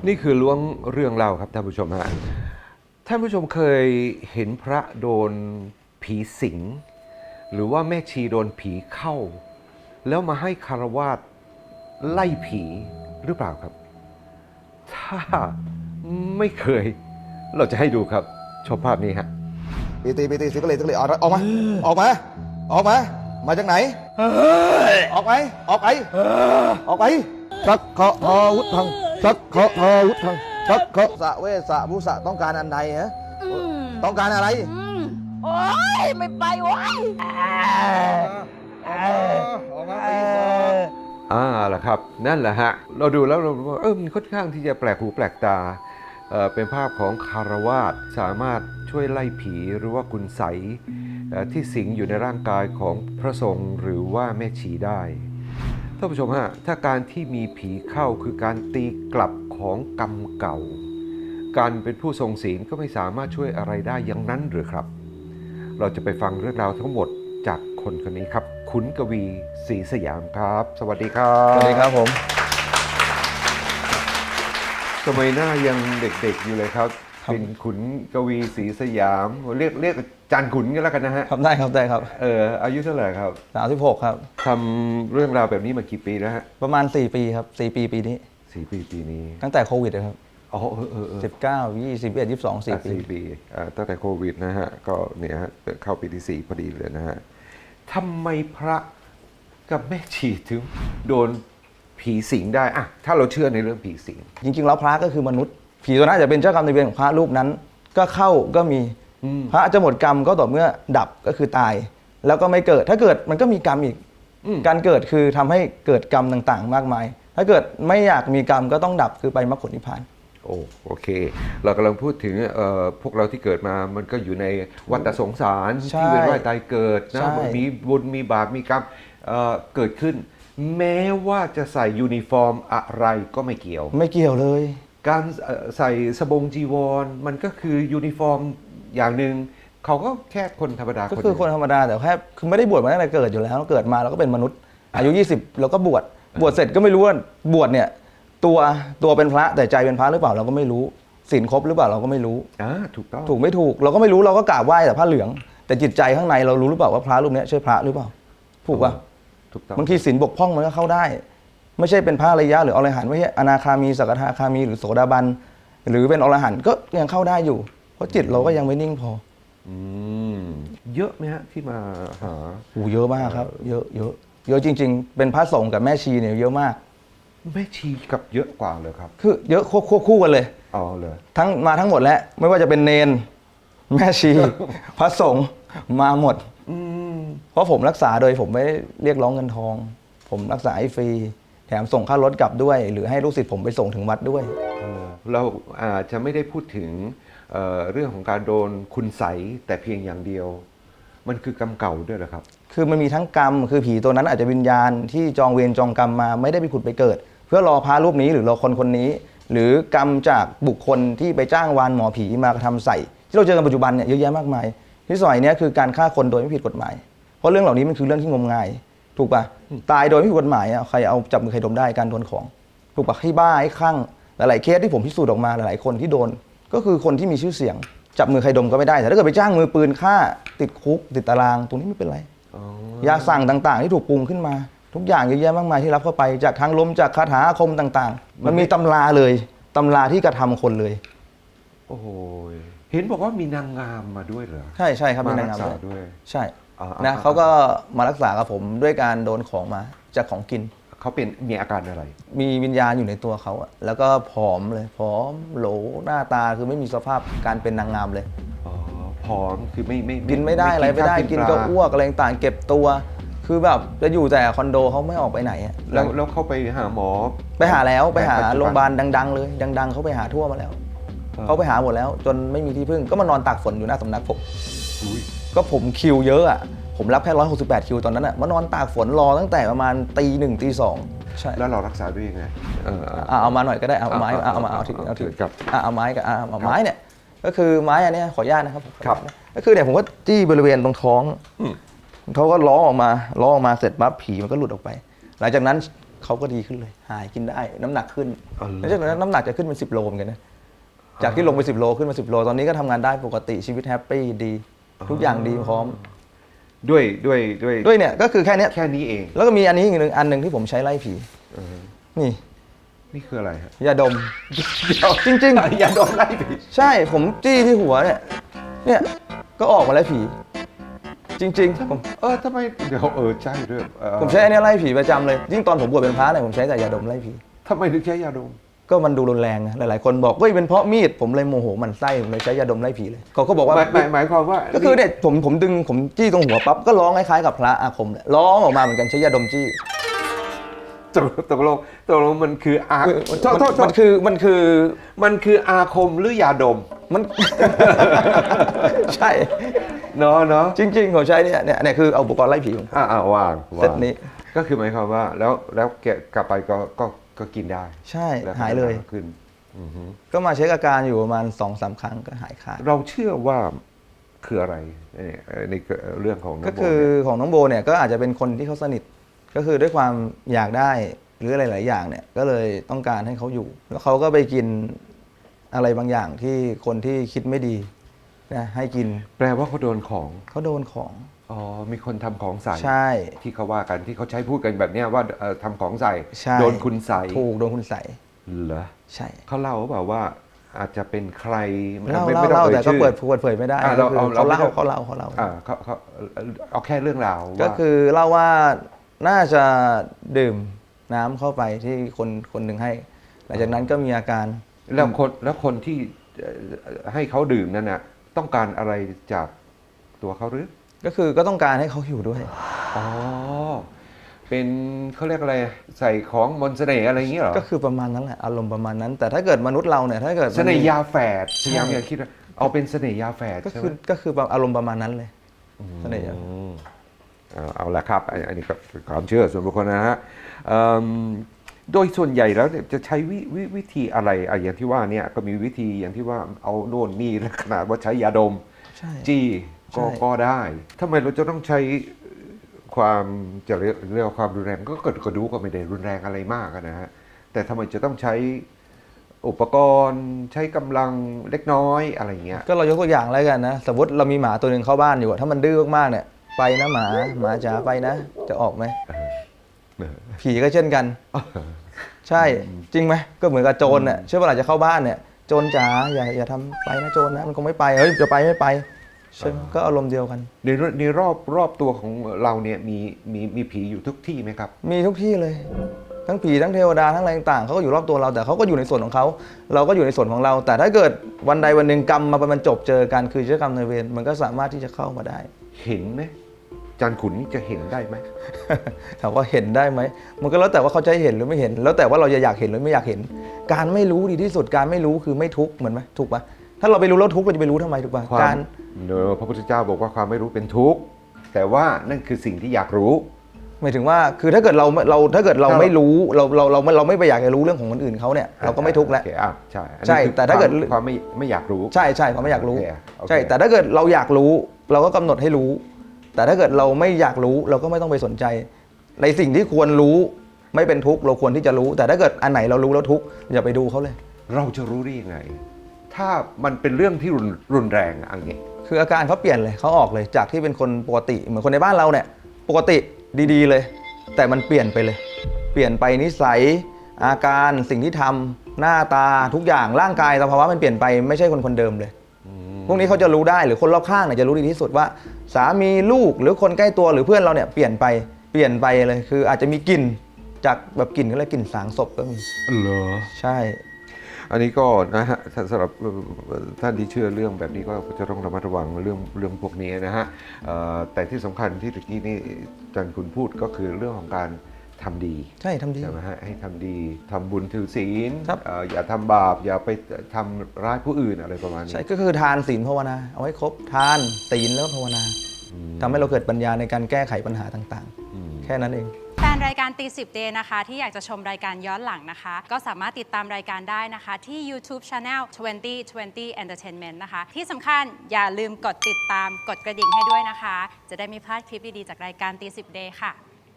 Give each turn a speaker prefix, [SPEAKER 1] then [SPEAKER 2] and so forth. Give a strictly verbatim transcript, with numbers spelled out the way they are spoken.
[SPEAKER 1] นี่คือล้วงเรื่องเล่าครับท่านผู้ชมฮะท่านผู้ชมเคยเห็นพระโดนผีสิงหรือว่าแม่ชีโดนผีเข้าแล้วมาให้คารวาสไล่ผีหรือเปล่าครับ ถ้าไม่เคยเราจะให้ดูครับชมภาพนี้ฮะ
[SPEAKER 2] ปีตีปีตีสิกเลยสิกเลยออกมาออกมาออกมามาจากไหนออกไปออกไปออกไปสักเคาะทอวุฒทังสักเคาะทอวุฒทังสักเคาะสะเวสะบุษะต้องการอันใดฮะต้องการอะไร
[SPEAKER 3] โอ๊ยไม่ไปโอ๊ย
[SPEAKER 2] ออกมาตีสอง
[SPEAKER 1] อ่าล่ะครับนั่นแหละฮะเราดูแล้วเราเออมันค่อนข้างที่จะแปลกหูแปลกตาเอ่อเป็นภาพของคารวาสสามารถช่วยไล่ผีหรือว่าคุณไสยที่สิงอยู่ในร่างกายของพระสงฆ์หรือว่าแม่ชีได้ท่านผู้ชมฮะถ้าการที่มีผีเข้าคือการตีกลับของกรรมเก่าการเป็นผู้ทรงศีลก็ไม่สามารถช่วยอะไรได้อย่างนั้นหรือครับเราจะไปฟังเรื่องราวทั้งหมดจากคนคนนี้ครับขุนกวีศรีสยามครับสวัสดีครับ
[SPEAKER 2] สวัสดีครับผม
[SPEAKER 1] สมัยหน้ายังเด็กๆอยู่เลยครับเป็นขุนกวีศรีสยามเรียกเรียกจานขุนกันแล้วกันนะฮะ
[SPEAKER 2] ครับได้ครับได้ครับ
[SPEAKER 1] เอออายุเท่าไหร่ครับ
[SPEAKER 2] สามสิบหกครับ
[SPEAKER 1] ทำเรื่องราวแบบนี้มากี่ปีแล้วฮะ
[SPEAKER 2] ประมาณสี่ปีครับสี่ปีปีนี้
[SPEAKER 1] สี่ปีปีนี้
[SPEAKER 2] ตั้งแต่โควิดเลยครับ
[SPEAKER 1] อ๋อเออเออ
[SPEAKER 2] สิบเก้ายี่สิบเอ็ดยี่สิบสองสี่ปี
[SPEAKER 1] สี่ปีตั้งแต่โควิดนะฮะก็เนี่ยฮะเข้าปีที่สี่พอดีเลยนะฮะทำไมพระกับแม่ชีถึงโดนผีสิงได้อะถ้าเราเชื่อในเรื่องผีสิง
[SPEAKER 2] จริงๆแล้วพระก็คือมนุษย์ผีตัวนั้นอาจจะเป็นเจ้ากรรมนายเวรของพระรูปนั้นก็เข้าก็มีพระจะหมดกรรมก็ต่อเมื่อดับก็คือตายแล้วก็ไม่เกิดถ้าเกิดมันก็มีกรรมอีกการเกิดคือทำให้เกิดกรรมต่างๆมากมายถ้าเกิดไม่อยากมีกรรมก็ต้องดับคือไปมรรคผลนิพพาน
[SPEAKER 1] โอ้โอเคเรากำลังพูดถึงพวกเราที่เกิดมามันก็อยู่ในวัฏสงสารที่เวียนว่ายตายเกิดนะมีบุญมีบาปมีกรรมเกิดขึ้นแม้ว่าจะใส่ยูนิฟอร์มอะไรก็ไม่เกี่ยว
[SPEAKER 2] ไม่เกี่ยวเลย
[SPEAKER 1] การใส่สบงจีวรมันก็คือยูนิฟอร์มอย่างหนึ่งเขาก็แค่คนธรรมดา
[SPEAKER 2] ก็คือคนธรรมดาแต่แค่คือไม่ได้บวชมาตั้งแต่เกิดอยู่แล้วเกิดมาเราก็เป็นมนุษย์อายุยี่สิบเราก็บวชบวชเสร็จก็ไม่รู้ว่าบวชเนี่ยตัวตัวเป็นพระแต่ใจเป็นพระหรือเปล่าเราก็ไม่รู้ศีลครบหรือเปล่าเราก็ไม่รู้
[SPEAKER 1] อ่าถูกต้อง
[SPEAKER 2] ถูกไม่ถูกเราก็ไม่รู้เราก็กราบไหว้แต่ผ้าเหลืองแต่จิตใจข้างในเรารู้หรือเปล่าว่าพระรูปนี้ใช่พระหรือเปล่าถูกป่ะ
[SPEAKER 1] ถูกต้อง
[SPEAKER 2] บางทีศีลบกพร่องมันก็เข้าได้ไม่ใช่เป็นพระอริยะหรืออรหันต์ไม่ใช่อนาคามีสกทาคามีหรือโสดาบันหรือเป็นอรหันต์ก็ยังเข้าได้อยู่เพราะจิตเราก็ยังไม่นิ่งพอ
[SPEAKER 1] อืมเยอะไหมฮะที่มาหา
[SPEAKER 2] โอ้เยอะมากครับเยอะเยอะเยอะจริงๆเป็นพระสงฆ์กับแม่ชีเนี่ยเยอะมาก
[SPEAKER 1] แม่ชีกับเยอะกว่าเลยครับ
[SPEAKER 2] คือเยอะควบคู่กันเลย
[SPEAKER 1] อ๋อเลย
[SPEAKER 2] ทั้งมาทั้งหมดแล้วไม่ว่าจะเป็นเนนแม่ชีพระสงฆ์มาหมดเพราะผมรักษาโดยผมไม่เรียกร้องเงินทองผมรักษาให้ฟรีแถมส่งค่ารถกลับด้วยหรือให้ลูกศิษย์ผมไปส่งถึงวัดด้วย
[SPEAKER 1] เราอาจจะไม่ได้พูดถึง เ, เรื่องของการโดนคุณไสยแต่เพียงอย่างเดียวมันคือกรรมเก่าด้วยเหรอครับ
[SPEAKER 2] คือมันมีทั้งกรรมคือผีตัวนั้นอาจจะวิญญาณที่จองเวรจองกรรมมาไม่ได้ไปผุดไปเกิดเพื่อรอพระรูปนี้หรือรอคนคนนี้หรือกรรมจากบุคคลที่ไปจ้างวานหมอผีมากระทำใส่ที่เราเจอกันปัจจุบันเนี่ยเยอะแยะมากมายที่สมัยนี้คือการฆ่าคนโดยไม่ผิดกฎหมายเพราะเรื่องเหล่านี้มันคือเรื่องที่งมงายถูกปะตายโดยไม่ผิดกฎหมายอ่ะใครเอาจับมือใครดมได้การโดนของถูกปะให้บ้าให้คลั่งหลายๆเคสที่ผมพิสูจน์ออกมาหลายๆคนที่โดนก็คือคนที่มีชื่อเสียงจับมือใครดมก็ไม่ได้แต่ถ้าเกิดไปจ้างมือปืนฆ่าติดคุกติดตารางตรงนี้ไม่เป็นไรยาสั่งต่างๆที่ถูกปรุงขึ้นมาทุกอย่างเยอะแยะมากมายที่รับเข้าไปจากทางลมจากคาถาอาคมต่างๆมันมีตำราเลยตำราที่กระทำคนเลย
[SPEAKER 1] โอ้โหเห็นบอกว่ามีนางงามมาด้วยเหรอ
[SPEAKER 2] ใช่ใช่ครับมีนางงาม
[SPEAKER 1] ด้วย
[SPEAKER 2] ใช่นะเขาก็มารักษากับผมด้วยการโดนของมาจากของกิน
[SPEAKER 1] เขาเป็นมีอาการอะไร
[SPEAKER 2] มีวิญญาณอยู่ในตัวเขาแล้วก็ผอมเลยผอมโหลหน้าตาคือไม่มีสภาพการเป็นนางงามเลย
[SPEAKER 1] อ๋อผอมคือไม่ไม่
[SPEAKER 2] กินไม่ได้อะไรไม่ได้กินก็อ้วกอะไรต่างเก็บตัวคือแบบจะอยู่แต่คอนโดเขาไม่ออกไปไหน
[SPEAKER 1] แล้วแล้วเขาไปหาหมอ
[SPEAKER 2] ไปหาแล้วไปหาโรงพยาบาลดังๆเลยดังๆเขาไปหาทั่วมาแล้วเขาไปหาหมดแล้วจนไม่มีที่พึ่งก็มานอนตากฝนอยู่หน้าสำนักผมก็ผมคิวเยอะอ่ะผมรับแค่ร้อยหกสิบแปดคิวตอนนั้นอ่ะมานอนตากฝนรอตั้งแต่ประมาณตีหนึ่งตีสองใช่
[SPEAKER 1] แล้วเรารักษาด้วยยังไง
[SPEAKER 2] เออเอามาหน่อยก็ได้เอาไม้เอามาเอาถือเอาถือกับเอาไม้กับเอาไม้เนี่ยก็คือไม้อันนี้ขออนุญาตนะครับ
[SPEAKER 1] ครับ
[SPEAKER 2] ก็คือเนี่ยผมก็จี้บริเวณตรงท้องเขาก็ล้อออกมาล้อออกมาเสร็จปั๊บผีมันก็หลุดออกไปหลังจากนั้นเขาก็ดีขึ้นเลย หายกินได้น้ำหนักขึ้น
[SPEAKER 1] อ๋อเหรอ
[SPEAKER 2] แล้วจากนั้นน้ำหนักจะขึ้นเป็นสิบโลเหมือนกันนะจากที่ลงไปสิบโลขึ้นมาสิบโลตอนนี้ก็ทำงานได้ปกติชีวิตแฮปปี้ดี ทุกอย่างดีพร้อม
[SPEAKER 1] ด้วยด้วยด้วย
[SPEAKER 2] ด้วยเนี่ยก็คือแค่เนี้ย
[SPEAKER 1] แค่นี้เอง
[SPEAKER 2] แล้วก็มีอันนี้อีกหนึ่งอันหนึ่งที่ผมใช้ไล่ผี
[SPEAKER 1] เออ
[SPEAKER 2] นี่
[SPEAKER 1] นี่คืออะไรฮะ
[SPEAKER 2] ยาดม จริงๆ
[SPEAKER 1] อย่าโดนไล่ผี
[SPEAKER 2] ใช่ผมจี้ที่หัวเนี่ยเนี่ยก็ออกมาไล่ผี จริงๆผม
[SPEAKER 1] เออทำไมเดี๋ยวเออใช่ด้วยเออ
[SPEAKER 2] ผมใช้อันเนี้ยไล่ผีประจำเลยยิ่งตอนผมบวชเป็นพระเนี่ยผมใช้แต่ยาดมไล่ผี
[SPEAKER 1] ทำไมถึงใช้ยาดม
[SPEAKER 2] ก็มันดูรุนแรงนะหลายๆคนบอกเฮ้ยเป็นเพราะมีดผมเลยโมโหมันไส้ผมเลยใช้ยาดมไล่ผีเลยเขาก็บอกว่า
[SPEAKER 1] หมายหมายหมายความว่า
[SPEAKER 2] ก็คือเนี่ยผมผมดึงผมจี้ตรงหัวปั๊บก็ร้องคล้ายๆกับพระอาคมเลยร้องออกมาเหมือนกันใช้ยาดมจี้
[SPEAKER 1] ตกตกลงตกลงมันคืออา
[SPEAKER 2] มัน
[SPEAKER 1] โทษโทษโท
[SPEAKER 2] มัน
[SPEAKER 1] ษ
[SPEAKER 2] คือมันคือ
[SPEAKER 1] มันคืออาคมหรือยาดม
[SPEAKER 2] มัน ใช่
[SPEAKER 1] เนาะเนาะ
[SPEAKER 2] จริงๆผมใช้เนี่ยเนี่ยเนี่ยคือเอาอุปกรณ์ไล่ผีของผม
[SPEAKER 1] อ่าอ่าวาง
[SPEAKER 2] เซตนี้
[SPEAKER 1] ก็คือหมายความว่าแล้วแล้วแกะกลับไปก็ก็ก็กินได้
[SPEAKER 2] ใช่
[SPEAKER 1] แล้วก็
[SPEAKER 2] หายเลย
[SPEAKER 1] ขึ้นอือฮึ
[SPEAKER 2] ก็มาเช็คอาการอยู่ประมาณสองสามครั้งก็หายขาด
[SPEAKER 1] เราเชื่อว่าคืออะไรเนี่ยในเรื่องของน้อง
[SPEAKER 2] ก็
[SPEAKER 1] โบ
[SPEAKER 2] คือ
[SPEAKER 1] เนี่ย
[SPEAKER 2] ของน้องโบเนี่ยก็อาจจะเป็นคนที่เขาสนิท ก็คือด้วยความอยากได้หรืออะไรหลายอย่างเนี่ยก็เลยต้องการให้เขาอยู่ แล้วเขาก็ไปกินอะไรบางอย่างที่คนที่คิดไม่ดีนะให้กิน
[SPEAKER 1] แปลว่าเขาโดนของ
[SPEAKER 2] เขาโดนของ
[SPEAKER 1] อ๋อมีคนทำของใส่
[SPEAKER 2] ใช่
[SPEAKER 1] ที่เขาว่ากันที่เขาใช้พูดกันแบบเนี้ยว่าเอ่อทำของใส่
[SPEAKER 2] ใช่
[SPEAKER 1] โดนคุณใส่
[SPEAKER 2] ถูกโดนคุณใส่
[SPEAKER 1] เหรอ
[SPEAKER 2] ใช่
[SPEAKER 1] เขาเล่าเปล่าว่าอาจจะเป็นใคร
[SPEAKER 2] เล่า
[SPEAKER 1] ไม่
[SPEAKER 2] เล่า
[SPEAKER 1] ไม่ต้อง
[SPEAKER 2] เล่า
[SPEAKER 1] เอ่ย
[SPEAKER 2] แต่ก็
[SPEAKER 1] ชื่อ
[SPEAKER 2] เปิดเปิดเผยไม่ได้
[SPEAKER 1] อ่ะ
[SPEAKER 2] ก็
[SPEAKER 1] เรา
[SPEAKER 2] คือ
[SPEAKER 1] เอาเรา
[SPEAKER 2] เขาเล่า
[SPEAKER 1] ไม่ต้อง
[SPEAKER 2] เขาเล่าเขาเล่า
[SPEAKER 1] อ่าเขาเขาเอาแค่เรื่องราว
[SPEAKER 2] ก็
[SPEAKER 1] ว่า
[SPEAKER 2] คือเล่าว่าน่าจะดื่มน้ำเข้าไปที่คนคนหนึ่งให้ หลังจากนั้นก็มีอาการ
[SPEAKER 1] แล้วคนแล้วคนที่เอ่อให้เขาดื่มนั่นน่ะต้องการอะไรจากตัวเขาหรือ
[SPEAKER 2] ก็คือก็ต้องการให้เขาอยู่ด้วย
[SPEAKER 1] อ๋อเป็นเขาเรียกอะไรใส่ของมนต์เสน่ห์อะไรอย่างเงี้ยเหรอ
[SPEAKER 2] ก็คือประมาณนั้นแหละอารมณ์ประมาณนั้น แต่ถ้าเกิดมนุษย์เราเนี่ยถ้าเกิดมัน
[SPEAKER 1] เสน่ห์ยาแฝดพ
[SPEAKER 2] ใช่
[SPEAKER 1] ยายามอย่าคิดว่าเอาเป็นเสน่ห์ยาแฝด
[SPEAKER 2] ก็
[SPEAKER 1] ใช่ไห
[SPEAKER 2] คื
[SPEAKER 1] ม
[SPEAKER 2] อก็คืออารมณ์ประมาณนั้นเลยเสน่ห์ยา
[SPEAKER 1] อืมเอาเอาละครับอันอันนี้ก็เป็นความเชื่อส่วนบุคคลนะฮะเอิ่มโดยส่วนใหญ่แล้วเนี่ยจะใช้วิววิธีอะไรอ่ะอย่างที่ว่าเนี่ยก็มีวิธีอย่างที่ว่าเอาโน่นนี่และขนาดว่าใช้ยาดม
[SPEAKER 2] ใช่
[SPEAKER 1] จี้ก็
[SPEAKER 2] ใช่
[SPEAKER 1] ก็ได้ทำไมเราจะต้องใช้ความจะเรียกเรียกว่าความรุนแรงก็เกิดก็ดูก็ไม่ได้รุนแรงอะไรมากอะนะฮะแต่ทำไมจะต้องใช้อุปกรณ์ใช้กำลังเล็กน้อยอะไรเงี้ย
[SPEAKER 2] ก็เรายกตัวอย่างแล้วกันนะ สมมติเรามีหมาตัวหนึ่งเข้าบ้านอยู่อะถ้ามันดื้อมากๆเนี่ยไปนะหมาหมาจ๋าไปนะ จะออกไหม
[SPEAKER 1] เออ
[SPEAKER 2] ผีก็เช่นกัน ใช่จริงไหมก็เหมือนกับโจรเนี่ยเชื่อว่าหลังจะเข้าบ้านเนี่ยโจรจ๋าอย่าอย่าทำไปนะโจรนะมันคงไม่ไปเฮ้ยจะไปไม่ไปใช่ไหมก็อารมณ์เดียวกัน
[SPEAKER 1] ในในรอบรอบตัวของเราเนี่ยมีมีมีผีอยู่ทุกที่ไหมครับ
[SPEAKER 2] มีทุกที่เลย ทั้งผีทั้งเทวดาทั้งอะไรต่างๆเขาก็อยู่รอบตัวเราแต่เขาก็อยู่ในส่วนของเขาเราก็อยู่ในส่วนของเรา แต่ถ้าเกิดวันใดวันหนึ่งกรรมมาบรรจบเจอกันคือเจ้ากรรมนายเวรมันก็สามารถที่จะเข้ามาได้
[SPEAKER 1] เห็นไหมจันขุนนี่จะเห็นได้ไหม
[SPEAKER 2] ถามว่าเห็นได้ไหมมันก็แล้วแต่ว่าเขาจะให้เห็นหรือไม่เห็น แล้วแต่ว่าเราจะอยากเห็นหรือไม่อยากเห็น การไม่รู้ดีที่สุดการไม่รู้คือไม่ทุกข์เหมือนไหมถูกปะถ้าเราไปรู้แล้วทุกข์เราจะไปรู้ทำไมถูกปะ
[SPEAKER 1] ควา
[SPEAKER 2] การ
[SPEAKER 1] มเนอะพระพุทธเจ้าบอกว่าความไม่รู้เป็นทุกข์แต่ว่านั่นคือสิ่งที่อยากรู้
[SPEAKER 2] หมายถึงว่าคือถ้าเกิดเราเราถ้าเกิดเรา
[SPEAKER 1] ถ้า
[SPEAKER 2] ไม่รู้เราเราเราเราไม่ไปอยากจะรู้เรื่องของคนอื่นเขาเนี่ยเราก็ไม่ทุกข์แล้ว
[SPEAKER 1] โอเคอ่ะใช่อันนี้
[SPEAKER 2] ใช่
[SPEAKER 1] คือ
[SPEAKER 2] แต่ถ้าเกิด
[SPEAKER 1] ความความไม่ไม่อยากรู้
[SPEAKER 2] ใช่ใช่ความไม่อยากรู้
[SPEAKER 1] โอเคโอเค
[SPEAKER 2] ใช่แต่ถ้าเกิดเราอยากรู้ เราก็กำหนดให้รู้ แต่ถ้าเกิดเราไม่อยากรู้เราก็ไม่ต้องไปสนใจ ในสิ่งที่ควรรู้ไม่เป็นทุกข์เราควรที่จะรู้ แต่ถ้าเกิดอันไหนเรารู้แล้วทุกข์อย่าไปดูเขาเลย
[SPEAKER 1] เราจะรู้ได้ยังไง ถ้ามันเป็นเรื่องที่รุนรุนแรงอะอย่างเงี้ย
[SPEAKER 2] คืออาการเขาเปลี่ยนเลยเขาออกเลยจากที่เป็นคนปกติเหมือนคนในบ้านเราเนี่ยปกติดีๆเลย แต่มันเปลี่ยนไปเลย เปลี่ยนไปนิสัยอาการสิ่งที่ทำหน้าตาทุกอย่างร่างกายสภาวะมันเปลี่ยนไปไม่ใช่คนคนเดิมเลย พวกนี้เขาจะรู้ได้หรือคนรอบข้างเนี่ยจะรู้ดีที่สุดว่า สามีลูกหรือคนใกล้ตัวหรือเพื่อนเราเนี่ยเปลี่ยนไปเปลี่ยนไปเลยคืออาจจะมีกลิ่นจากแบบกลิ่นก็เลยกลิ่นสางศพก็มี
[SPEAKER 1] เหรอ
[SPEAKER 2] ใช่
[SPEAKER 1] อันนี้ก็นะฮะสำหรับท่านที่เชื่อเรื่องแบบนี้ก็จะต้องระมัดระวังเรื่องเรื่องพวกนี้นะฮะเอ่อแต่ที่สำคัญที่ตะกี้นี่จันคุณพูดก็คือเรื่องของการทำดี
[SPEAKER 2] ใช่ทำดี
[SPEAKER 1] ใช่ไหมฮะให้ทำดีทำบุญถือศีล
[SPEAKER 2] ครับ
[SPEAKER 1] เอ่ออย่าทำบาปอย่าไปทำร้ายผู้อื่นอะไรประมาณนี้
[SPEAKER 2] ใช่ก็คือทานศีลภาวนาเอาให้ครบทานศีลแล้วก็ภาวนาทำให้เราเกิดปัญญาในการแก้ไขปัญหาต่างๆ แค่นั้นเอง
[SPEAKER 4] แฟนรายการตีสิบเดย์นะคะที่อยากจะชมรายการย้อนหลังนะคะ ก็สามารถติดตามรายการได้นะคะที่ YouTube Channel ยี่สิบ ยี่สิบ Entertainment นะคะ ที่สำคัญอย่าลืมกดติดตามกดกระดิ่งให้ด้วยนะคะ จะได้ไม่พลาดคลิปดี ๆ จากรายการตีสิบเดย์ค่ะ